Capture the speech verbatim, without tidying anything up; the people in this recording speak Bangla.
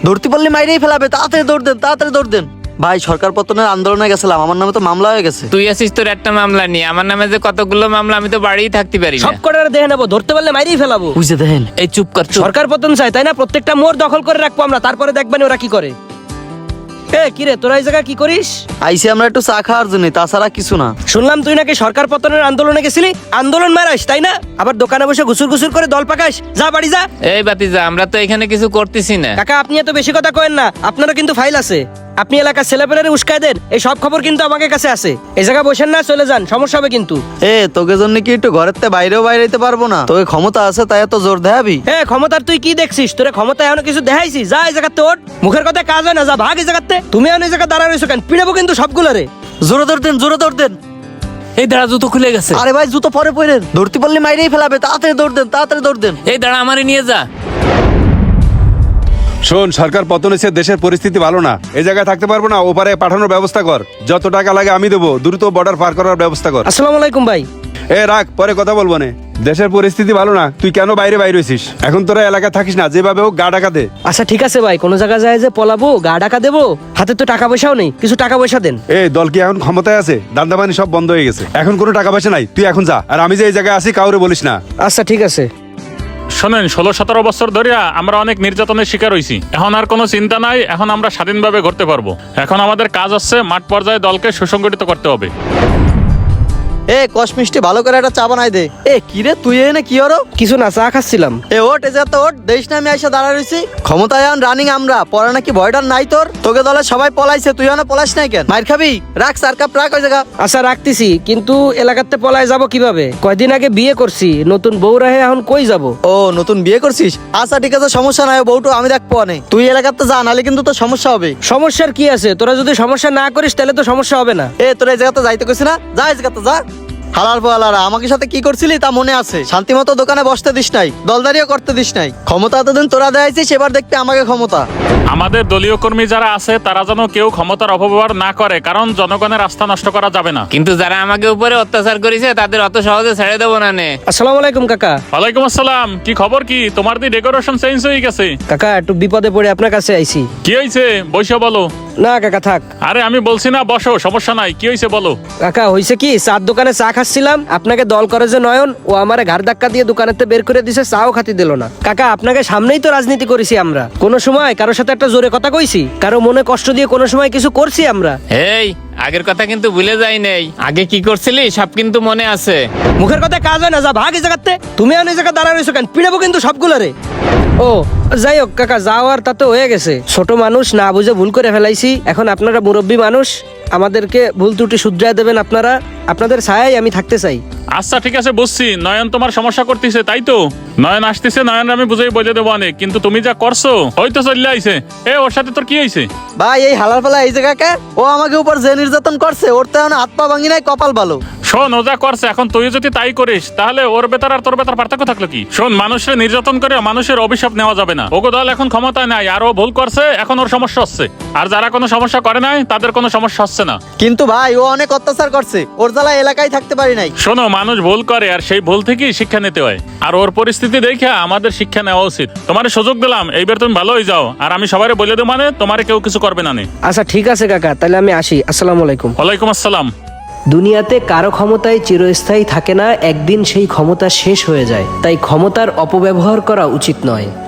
ধরতে পারলে মাইরেই ফেলাবে, তাড়াতাড়ি দৌড় দেন, তাড়াতাড়ি দৌড় দেন। ভাই সরকার পতনের আন্দোলনে গেছিলাম, আমার নামে তো মামলা হয়ে গেছে। তুই আছিস তোর একটা মামলা নিয়ে, আমার নামে যে কতগুলো মামলা, আমি তো বাড়িই থাকতে পারি না। সব কটারে দেখে নেবো, ধরতে পারলে মাইরেই ফেলাবো। বুঝে দেখেন। এই চুপ কর, চুপ। সরকার পতন চাই তাই না, প্রত্যেকটা মোড় দখল করে রাখবো আমরা, তারপরে দেখবেন ওরা কি করে। এ কিরে তোরা এই জায়গায় কি করিস? আইসি আমরা একটু চা খাওয়ার জন্য, তাছাড়া কিছু না। শুনলাম তুই নাকি সরকার পতনের আন্দোলনে গেছিলি, আন্দোলন মারাস তাই না? আবার দোকানে বসে ঘুসুর ঘুসুর করে দল পাকাস, যা বাড়ি যা। এই বাতিজা, আমরা তো এখানে কিছু করতেছি না। কাকা আপনি এত বেশি কথা কয়েন না, আপনারও কিন্তু ফাইল আছে। আপনি এলাকার ছেলেপেলেরে উস্কাই দেন, এই সব খবর কিন্তু আমাকে কাছে আছে। এই জায়গায় বসেন না, চলে যান, সমস্যা হবে কিন্তু। এ তোকে জন্য কি একটু ঘরের তে বাইরেও বাইরে যেতে পারবো না? তোকে ক্ষমতা আছে তাই এত জোর দেখাবি? এ ক্ষমতার তুই কি দেখছিস? তোরে ক্ষমতা এখনো কিছু দেখাইছি? যা এই জায়গাতে ওঠ, মুখের কথা কাজ হয় না, যা ভাগ এই জায়গাতে। তুমি এখন এই জায়গায় দাঁড়া রয়েছো কেন? পিড়াবো কিন্তু সবগুলো রে। জোরে দৌড় দেন, জোরে দৌড় দেন। এই দাঁড়া, জুতো খুলে গেছে। আরে ভাই জুতো পরে পরেন, ধরতে পারলে মাইরেই ফেলাবে, তাড়াতাড়ি দৌড় দেন, তাড়াতাড়ি দৌড় দেন। এই দাঁড়া, আমারে নিয়ে যা। শোন, সরকার পতন হয়েছে, দেশের পরিস্থিতি ভালো না, এই জায়গায় থাকতে পারবো না, ওপারে পাঠানোর ব্যবস্থা কর। যত টাকা লাগে আমি দেবো, দ্রুত বর্ডার পার করার ব্যবস্থা কর। আসসালামু আলাইকুম ভাই। এ রাখ, পরে কথা বলবো না। দেশের পরিস্থিতি ভালো না, তুই কেন বাইরে বাইরে হয়েছিস? এখন তোরা এলাকায় থাকিস না, যেভাবে হোক গা ঢাকা দে। আচ্ছা ঠিক আছে ভাই, কোনো জায়গায় যায় যে পলাবো, গা ঢাকা দেবো, হাতে তো টাকা পয়সাও নেই, কিছু টাকা পয়সা দেন। এ দল কি এখন ক্ষমতায় আছে? দান্দাবানি সব বন্ধ হয়ে গেছে, এখন কোনো টাকা পয়সা নাই, তুই এখন যা। আর আমি যে এই জায়গায় আছি কাউরে বলিস না। আচ্ছা ঠিক আছে। শোনেন, ষোলো সতেরো বছর ধরিয়া আমরা অনেক নির্যাতনের শিকার হইছি। এখন আর কোনো চিন্তা নাই, এখন আমরা স্বাধীনভাবে ঘুরতে পারবো। এখন আমাদের কাজ হচ্ছে মাঠ পর্যায়ে দলকে সুসংগঠিত করতে হবে। এ কষ মিষ্টি ভালো করে একটা চা বানাই দে। এ কিরে তুই এনে কি হলো? কিছু না, চা খাচ্ছিলাম। এ ওট, এ যা তো ওট, দেশ না আমি আইসা দাঁড়া রইছি। ক্ষমতায় আন রানিং আমরা, পরে নাকি ভয়ডার নাই তোর? তোকে দলে সবাই পলাইছে, তুই না পলাইস নাই কেন? মাইর খাবি? রাখ সার কাপ রাখ ওই জায়গা। আচ্ছা রাখতেছি, কিন্তু এলাকাতে পলায় যাব কিভাবে? কয়দিন আগে বিয়ে করছি, নতুন বউ রাহে, এখন কই যাব? ও নতুন বিয়ে করছিস? আচ্ছা ঠিক আছে, সমস্যা নাই, বউটু আমি দেখবো অনেক। তুই এলাকাতে যা, নাহলে কিন্তু তোর সমস্যা হবে। সমস্যার কি আছে? তোরা যদি সমস্যা না করিস তাহলে তো সমস্যা হবে না। এ তোর এই জায়গাতে যাইতে কইছি না, যা এই জায়গাতে যা। হালাল পালারা আমাকে সাথে কি করছিলি তা মনে আছে? শান্তি মতো দোকানে বসতে দিস নাই, দলদারিও করতে দিস নাই। ক্ষমতা এতদিন তোরা দেখাইছিস, এবার দেখবি আমাকে ক্ষমতা। আমাদের দলীয় কর্মী যারা আছে তারা যেন কেউ ক্ষমতার অপব্যবহার না করে, কারণ জনগণের আস্থা নষ্ট করা যাবে না। কিন্তু যারা আমাকে উপরে অত্যাচার করেছে তাদের অত সহজে ছেড়ে দেবো না নে। আসসালামু আলাইকুম কাকা। ওয়ালাইকুম আসসালাম। কি খবর? কি তোমার দি ডেকোরেশন চেঞ্জ হয়ে গেছে? কাকা একটু বিপদে পড়ে আপনার কাছে আইছি। কি হয়েছে? বসে বলো। না কাকা থাক। আরে আমি বলছি না বসো, সমস্যা নাই। কি হয়েছে বলো। কাকা হইছে কি, চার দোকানে চা খাচ্ছিলাম, আপনাকে দল করে যে নয়ন, ও আমারে ঘাড় ধাক্কা দিয়ে দোকানেতে বের করে দিছে, চাও খাতি দিল না। কাকা আপনাকে সামনেই তো রাজনীতি করেছি আমরা, কোনো সময় কারোর সাথে একটা জোরে কথা কইছি? কারো মনে কষ্ট দিয়ে কোনো সময় কিছু করছি আমরা? এই আগের কথা কিন্তু ভুলে যাই নেই, আগে কি করছিলি সব কিন্তু মনে আছে। মুখের কথা কাজ হয় না, যা ভাগ এই জায়গাতে। তুমি এখন এই জায়গায় দাঁড়া রয়েছো কেন? পিড়াবো কিন্তু সবগুলো রে। ও যাই হোক কাকা, যাওয়ার তা তো হয়ে গেছে। ছোট মানুষ, না বুঝে ভুল করে ফেলাইছি। এখন আপনারা মুরব্বী মানুষ, আমাদেরকে ভুল ত্রুটি শুধরায় দেবেন আপনারা। আপনাদের ছায়ায় আমি থাকতে চাই। আচ্ছা ঠিক আছে, বুঝছি। নয়ন তোমার সমস্যা করতেছে, তাই তো? নয়ন আসতেছে, নয়ন আমি বুঝাই বলে দেবো অনেক, কিন্তু তুমি যা করছো হয়তো চলে আইছে। এ ওর সাথে তোর কি হয়েছে? ভাই এই হালার পালা এই জায়গাকে, ও আমাকে উপর যে নির্যাতন করছে, ওর তো এখন হাত পা ভাঙি নাই, কপাল ভালো। শোন, ও যা করছে, এখন তুই যদি তাই করিস তাহলে ওর বেতার আর তোর বেতার পার্থক্য থাকলো কি? শোন, মানুষের নির্যাতন করে মানুষের অভিশাপ নেওয়া যাবে না। ওগো দল এখন ক্ষমতায় নাই, আর ও ভুল করছে, এখন ওর সমস্যা হচ্ছে। আর যারা কোনো সমস্যা করে নাই তাদের কোনো সমস্যা হচ্ছে না। কিন্তু ভাই ও অনেক অত্যাচার করছে, ওর জ্বালা এলাকায় থাকতে পারি নাই। শোনো, মানুষ ভুল করে আর সেই ভুল থেকেই শিক্ষা নিতে হয়, আর ওর পরিস্থিতি দেখে আমাদের শিক্ষা নেওয়া উচিত। তোমার সুযোগ দিলাম, এইবার তুমি ভালো হয়ে যাও, আর আমি সবাই বলে দেবো মানে তোমার কেউ কিছু করবে না। আচ্ছা ঠিক আছে কাকা, তাহলে আমি আসি। আসসালামু আলাইকুম। ওয়ালাইকুম আসসালাম। দুনিয়াতে কারো ক্ষমতায় চিরস্থায়ী থাকে না, একদিন সেই ক্ষমতা শেষ হয়ে যায়। তাই ক্ষমতার অপব্যবহার করা উচিত নয়।